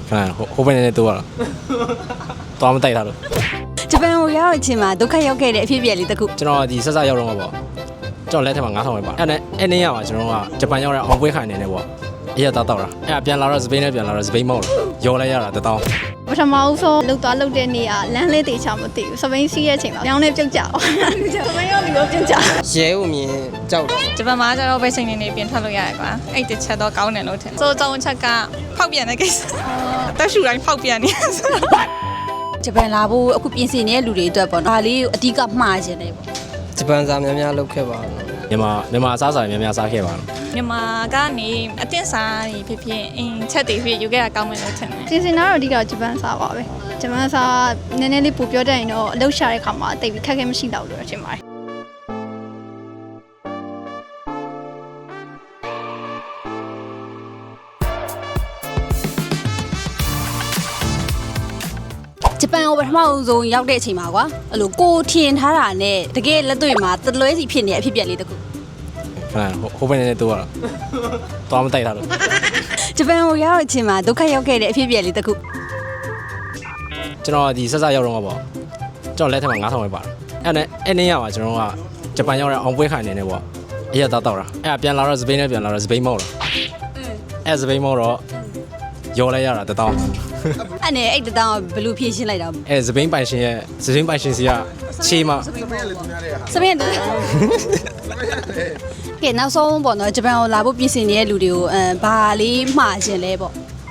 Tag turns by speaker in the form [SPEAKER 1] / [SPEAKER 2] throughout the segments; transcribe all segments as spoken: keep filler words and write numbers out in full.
[SPEAKER 1] 看后边人多了，多么带他了。
[SPEAKER 2] ဂျပန်ကိုရောက်ချင်းမှာဒုက္ခရောက်ခဲ့တဲ့အဖြစ်အပျက်လေးတစ်ခု
[SPEAKER 1] ကျွန်တော်ဒီဆက်ဆက်ရောက်တော့မှာပေါ့ကျွန်တော်လက်ထက်မှာငါးထောင်ပဲပါအဲ့နဲ့အဲ့နေ့ရမှာကျွန်တော်ကဂျပန်ရောက်တဲ့အောင်ပွဲခိုင်နေတယ်ပေါ့အရက်တော့တော့တာအဲ့ပြန်လာတော့စပိန်နဲ့ပြန်လာတော့စပိန်မောက်လို့ရောလိုက်ရတာတတောင်း
[SPEAKER 3] ပထမဦးဆုံးလှုပ်သွားလှုပ်တဲ့နေရလမ်းလေးတေချာမသိဘူးစပိန်စီးရဲ့အချိန်မှာညောင်းနဲ့ပြုတ်ကြအောင်စပိန်ရောက်ပြီးတော့ပြုတ်ကြ
[SPEAKER 4] ရဲဦးမြင်ကြောက်တယ်
[SPEAKER 5] ဂျပန်မှာကျတော့ပဲချိန်နေနေပြင်ထွက်လို့ရတယ်ကွာအဲ့တစ်ချက်တော့ကောင်းတယ်လို့ထင်စိုးကြောင်းချက်ကဖောက်ပြန်တဲ့ကိစ္စတက်ရှူတိုင်းဖောက်ပြန်နေ
[SPEAKER 2] ဂျပန်လာဖို့အခုပြင်ဆင်နေတဲ့လူတွေအတွက်ပေါ့နော်ဒါလေးအဓိကမှားခြင်းတယ်ပေါ့
[SPEAKER 4] ဂျပန်စာများများလုပ်ခဲ့ပါဘူး
[SPEAKER 1] မြန်မာမြန်မာအစားအစာများများစားခဲ့ပါတော့
[SPEAKER 5] မြန်မာကနေအသင့်စားတွေဖြစ်ဖြစ်အင်းချက်တွေဖြစ်ယူခဲ့တာကောင်းမယ်လို့ထင်တယ်
[SPEAKER 3] ပြင်ဆင်တော့အဓိကဂျပန်စာပါပဲဂျပန်စာနည်းနည်းလေးပိုပြောတတ်ရင်တော့အလုပ်ရှာတဲ့ခါမှာတိတ်ပြီးခက်ခဲမရှိတော့လို့ထင်ပါတယ်
[SPEAKER 2] ဂျပန်ကိုပထမဆုံးရောက်တဲ့အချိန်မှာကွာအဲ့လိုကိုထင်ထားတာနဲ့တကယ်လက်တွေ့မှာတလွဲစီဖြစ်နေတဲ့အဖြစ်အပျက်လေးတစ်ခု
[SPEAKER 1] 看后边人多了，多么带他了。
[SPEAKER 2] ဂျပန်ကိုရောက်တဲ့အချိန်မှာဒုက္ခရောက်ခဲ့တဲ့အဖြစ်အပျက်လေးတစ်ခု
[SPEAKER 1] ကျွန်တော်ဒီဆက်ဆက်ရောက်တော့မှာပေါ့ကျွန်တော်လက်ထက်မှာငါးထောင်ပဲပါအဲ့နဲ့အဲ့နေ့ရမှာကျွန်တော်ကဂျပန်ရောက်တဲ့အောင်ပွဲခိုင်နေတယ်ပေါ့အရက်တော့တော့တာအဲ့ပြန်လာတော့စပိန်နဲ့ပြန်လာတော့စပိန်မောက်လို့အဲ့စပိန်မောက်တော့ရောလိုက်ရတာတတောင်း
[SPEAKER 2] အဲ့နဲ့အဲ့တတောင်းဘယ်လိုဖြည့်ရှင်းလိုက်တာ
[SPEAKER 1] အဲ့စပိန်ပိုင်ရှင်ရဲ့စပိန်ပိုင်ရှင်စီကချေးမ
[SPEAKER 2] စပိန်တူကဲနောက်ဆုံးပေါ့နော်ဂျပန်ကိုလာဖို့ပြင်ဆင်နေတဲ့လူတွေကိုအဲဘာလေးမှားခြင်းလဲပေါ့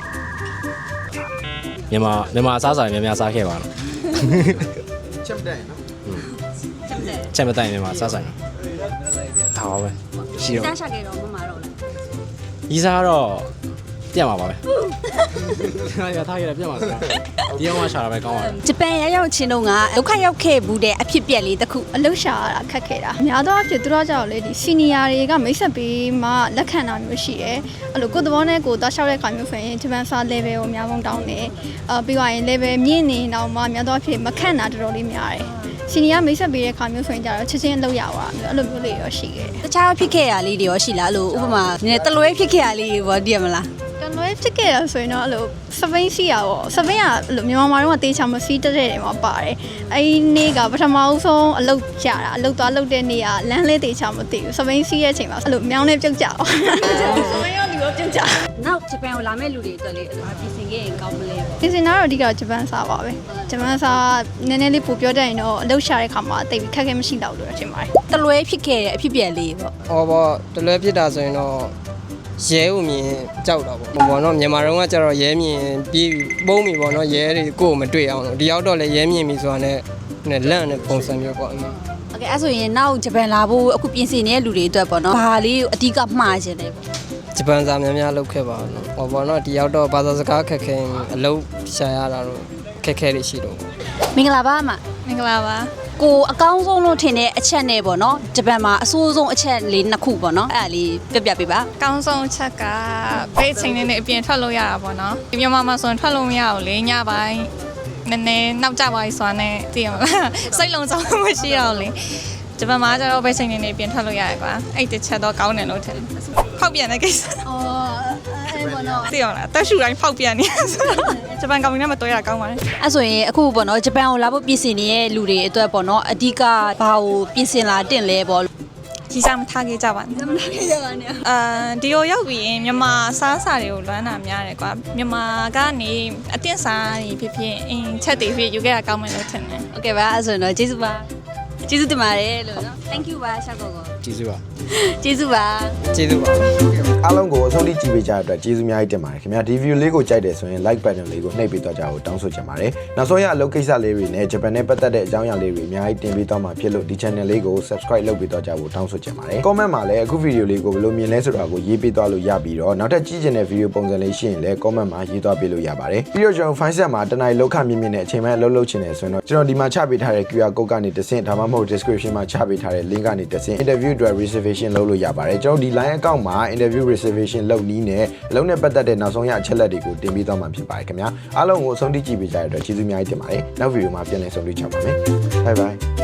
[SPEAKER 1] မြန်မာမြန်မာအစားအစာများများစားခဲ့ပါတော့
[SPEAKER 4] ချက်မတိုင်နော်
[SPEAKER 1] ချက်မတိုင်မြန်မာစားဆိုင်ဒါပါပဲရှိတော့
[SPEAKER 2] စားရှာခဲ့တော့မမတော့လား
[SPEAKER 1] ဤစားတော့ပြတ်မှာပါပဲရထားရပြတ်မှာဆိုတာဒီအောင်မှရှာတာပဲကောင်းပါတယ်
[SPEAKER 2] ဂျပန်ရောက်ရောက်ချင်းတုန်းကဒုက္ခရောက်ခဲ့ဘူးတဲ့အဖြစ်ပြက်လေးတစ်ခု
[SPEAKER 3] အလုပ်ရှာရတာခက်ခဲတာများသောအားဖြင့်သူတို့ကြောင့်လေဒီစီနီယာတွေကမိတ်ဆက်ပေးမှလက်ခံတာမျိုးရှိတယ်အဲ့လိုကိုယ်သဘောနဲ့ကိုယ်သွားလျှောက်တဲ့ခါမျိုးဆိုရင်ဂျပန်စာ level ကိုအများဆုံးတောင်းတယ်အာပြီးသွားရင် level မြင့်နေတော့မှများသောအားဖြင့်မခန့်တာတော်တော်လေးများတယ်စီနီယာမိတ်ဆက်ပေးတဲ့ခါမျိုးဆိုရင်ကြတော့ချက်ချင်းအလုပ်ရပါမျိုးအဲ့လိုမျိုးလေးရောရှိခဲ့တယ်
[SPEAKER 2] တခြားဖြစ်ခဲ့ရလေးတွေရောရှိလားအဲ့လိုဥပမာနည်းတလွဲဖြစ်ခဲ့ရလေးတွေပေါ့တည်ရမလား
[SPEAKER 3] တလွဲဖြစ်ခဲ့ရဆိုရင်တော့အဲ့လိုစပိန်စီရပေါ့စပိန်ကအဲ့လိုမြန်မာမှာတော့တေချာမစီးတက်တဲ့နေမှာပါတယ်အဲ့ဒီနေ့ကပထမဦးဆုံးအလုပ်ကြတာအလုပ်သွားလုပ်တဲ့နေ့ကလမ်းလေးတေချာမသိဘူးစပိန်စီးရဲ့အချိန်မှာအဲ့လိုမြောင်းနဲ့ပြုတ်ကြအောင်စပိန်ရောက်ပြီးတော့ပြုတ်ကြ
[SPEAKER 2] နောက်ဂျပန်ကိုလာမဲ့လူတွေအတွက်လေးပြင်ဆင်ခဲ့ရင်ကောင်းမလဲ
[SPEAKER 3] ပြင်ဆင်တော့အဓိကဂျပန်စာပါပဲဂျပန်စာနည်းနည်းလေးပိုပြောတတ်ရင်တော့အလုပ်ရှာတဲ့ခါမှာတိတ်ပြီးခက်ခဲမရှိတော့လို့ထင်ပါတယ်
[SPEAKER 2] တလွဲဖြစ်ခဲ့တဲ့အဖြစ်အပျက်လေးပေါ့
[SPEAKER 4] ဟောပေါ့တလွဲဖြစ်တာဆိုရင်တော့ရဲဦးမြင်ကြောက်တော့ပေါ့ဘောနော်မြန်မာတုန်းကကျတော့ရဲမြင်ပြီးပုံးပြီပေါ့နော်ရဲတွေကိုမတွေ့အောင်လို့ဒီရောက်တော့လဲရဲမြင်ပြီဆိုတာနဲ့နဲ့လန့်နဲ့ပုံစံမျိုးပေါ့
[SPEAKER 2] โอเคအဲ့ဆိုရင်နောက်ဂျပန်လာဖို့အခုပြင်ဆင်နေတဲ့လူတွေအတွက်ပေါ့နော်ဘာလေးအဓိကမှားခြင်းလဲပေါ့
[SPEAKER 4] ဂျပန်စာများများလုပ်ခဲ့ပါတော့ဟောပေါ့နော်ဒီရောက်တော့ဘာသာစကားခက်ခဲအလုပ်ရှာရတာတော့ခက်ခဲလေးရှိတော့
[SPEAKER 2] မင်္ဂလာပါအမ
[SPEAKER 5] မင်္ဂလာပါ
[SPEAKER 2] ကိုအကောင်းဆုံးလို့ထင်တဲ့အချက်နဲ့ပေါ့နော်ဂျပန်မှာအဆိုးဆုံးအချက်လေးနှစ်ခုပေါ့နော်အဲ့ဒါလေးပြပြပေးပါ
[SPEAKER 5] အကောင်းဆုံးအချက်ကဘယ်ချိန်နဲ့အပြင်ထွက်လို့ရတာပေါ့နော်ဒီမြန်မာမှာဆိုရင်ထွက်လို့မရဘူးလေညပိုင်းနည်းနည်းနောက်ကျပါပြီဆိုတာနဲ့သိရမလားစိတ်လုံးစုံမရှိတော့လေဂျပန်မှာကျတော့ဘယ်ချိန်နဲ့အပြင်ထွက်လို့ရတယ်ကွာအဲ့တစ်ချက်တော့ကောင်းတယ်လို့ထင်ဖောက်ပြန်တဲ့ကိစ္စ
[SPEAKER 2] အော်အဲ့ပေါ့နော်
[SPEAKER 5] သိရလားတက်ရှူတိုင်းဖောက်ပြန်နေဂျပန်ကောင်မီနဲ့မတွေ့ရကောင်းပါနဲ့
[SPEAKER 2] အဲ့ဆိုရင်အခုပေါ့နော်ဂျပန်ကိုလာဖို့ပြင်ဆင်နေတဲ့လူတွေအတွက်ပေါ့နော်အဓိကဘာကိုပြင်ဆင်လာတင်လဲပေါ့
[SPEAKER 5] ကြီးစားမထားခဲ့ကြပါနဲ့
[SPEAKER 2] မထားခဲ့ကြပါနဲ့
[SPEAKER 5] အာဒီလိုရောက်ပြီးရင်မြန်မာစားစာတွေကိုလွမ်းတာများတယ်ကွာမြန်မာကနေအသင့်စားတွေဖြစ်ဖြစ်အင်းချက်တွေဖြစ်ယူခဲ့တာကောင်းမယ်လို့ထင်တယ်
[SPEAKER 2] โอเคပါအဲ့ဆိုရင်တော့ကျေးဇူးပါကျေးဇူးတင်ပါတယ်လို့နော် thank you ပါရှာကောကော
[SPEAKER 1] ကျေးဇူးပါ
[SPEAKER 2] ကျေးဇူးပါ
[SPEAKER 4] ကျေးဇူးပါ
[SPEAKER 6] အားလုံးကိုအဆုံးထိကြည့်ပေးကြတဲ့အတွက်ကျေးဇူးအများကြီးတင်ပါတယ်ခင်ဗျာဒီ view လေးကိုကြိုက်တယ်ဆိုရင် like button လေးကိုနှိပ်ပေးတော့ကြဖို့တောင်းဆိုချင်ပါတယ်နောက်ဆုံးရအလုပ်ကိစ္စလေးတွေနဲ့ဂျပန်နဲ့ပတ်သက်တဲ့အကြောင်းအရာလေးတွေအများကြီးတင်ပေးတော့မှာဖြစ်လို့ဒီ channel လေးကို subscribe လုပ်ပေးတော့ကြဖို့တောင်းဆိုချင်ပါတယ် comment မှာလည်းအခု video လေးကိုဘယ်လိုမြင်လဲဆိုတာကိုရေးပေးသွားလို့ရပြီးတော့နောက်ထပ်ကြည့်ချင်တဲ့ video ပုံစံလေးရှိရင်လည်း comment မှာရေးသွားပေးလို့ရပါတယ်ပြီးတော့ကျွန်တော် file set မှာတနိုင်လောက်ခမြင့်မြင့်နဲ့အချိန်မှအလုပ်လုပ်ချင်တယ်ဆိုရင်တော့ကျွန်တော်ဒီမှာချပေးထားတဲ့ Q R code ကနေတဆင့်ဒါမှမဟုတ် description မှာချပေးထားတဲ့ link ကနေတဆင့် interview အတွက် reservation လုပ်လို့ရပါတယ်ကျွန်တော်ဒီ line account မှာ interview reservation လုပ်နည်းနဲ့အလုံးနဲ့ပတ်သက်တဲ့နောက်ဆုံးရအချက်လက်တွေကိုတင်ပေးသွားမှာဖြစ်ပါတယ်ခင်ဗျာအားလုံးကိုအဆုံးထိကြည့်ပေးကြတဲ့အတွက်ကျေးဇူးအများကြီးတင်ပါတယ်နောက် video မှာပြန်လည်ဆုံတွေ့ကြပါမယ် bye bye